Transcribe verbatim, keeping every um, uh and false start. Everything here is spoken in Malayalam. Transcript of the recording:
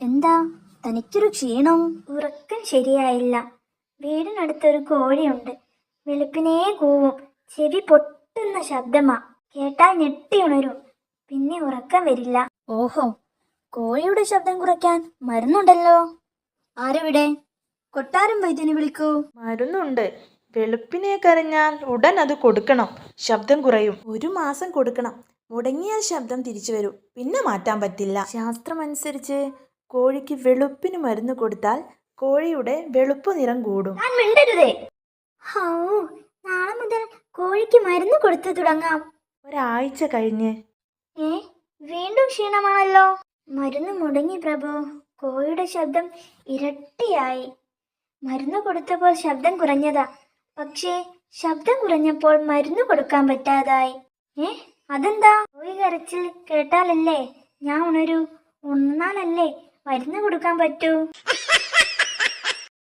എന്താ തനിക്കൊരു ക്ഷീണം? ഉറക്കം ശരിയായില്ല. വീടിനടുത്തൊരു കോഴിയുണ്ട്. വെളുപ്പിനേ കൂവും. ചെവി പൊട്ടുന്ന ശബ്ദമാ. കേട്ടാൽ ഞെട്ടി ഉണരും. പിന്നെ ഉറക്കം വരില്ല. ഓഹോ, കോഴിയുടെ ശബ്ദം കുറയ്ക്കാൻ മരുന്നുണ്ടല്ലോ. ആരെവിടെ? കൊട്ടാരം വൈദ്യനെ വിളിക്കൂ. മരുന്നുണ്ട്. വെളുപ്പിനെ കരഞ്ഞാൽ ഉടൻ അത് കൊടുക്കണം. ശബ്ദം കുറയും. ഒരു മാസം കൊടുക്കണം. മുടങ്ങിയാൽ ശബ്ദം തിരിച്ചു വരും. പിന്നെ മാറ്റാൻ പറ്റില്ല. ശാസ്ത്രമനുസരിച്ച് കോഴിക്ക് വെളുപ്പിന് മരുന്ന് കൊടുത്താൽ കോഴിയുടെ വെളുപ്പ് നിറം കൂടും. ഞാൻ മിണ്ടരുതേ. ഹൗ, നാളെ മുതൽ കോഴിക്ക് മരുന്ന് കൊടുത്തു തുടങ്ങാം. ഒരാഴ്ച കഴിഞ്ഞ് ഏ വീണ്ടും ക്ഷീണമാണല്ലോ. മരുന്ന് മുടങ്ങി പ്രഭു. കോഴിയുടെ ശബ്ദം ഇരട്ടിയായി. മരുന്ന് കൊടുത്തപ്പോൾ ശബ്ദം കുറഞ്ഞതാ. പക്ഷേ ശബ്ദം കുറഞ്ഞപ്പോൾ മരുന്ന് കൊടുക്കാൻ പറ്റാതായി. ഏ അതെന്താ? കോഴി കരച്ചിൽ കേട്ടാലല്ലേ ഞാൻ ഉണരൂ. ഉണർന്നാലല്ലേ മരുന്ന് കൊടുക്കാൻ പറ്റൂ.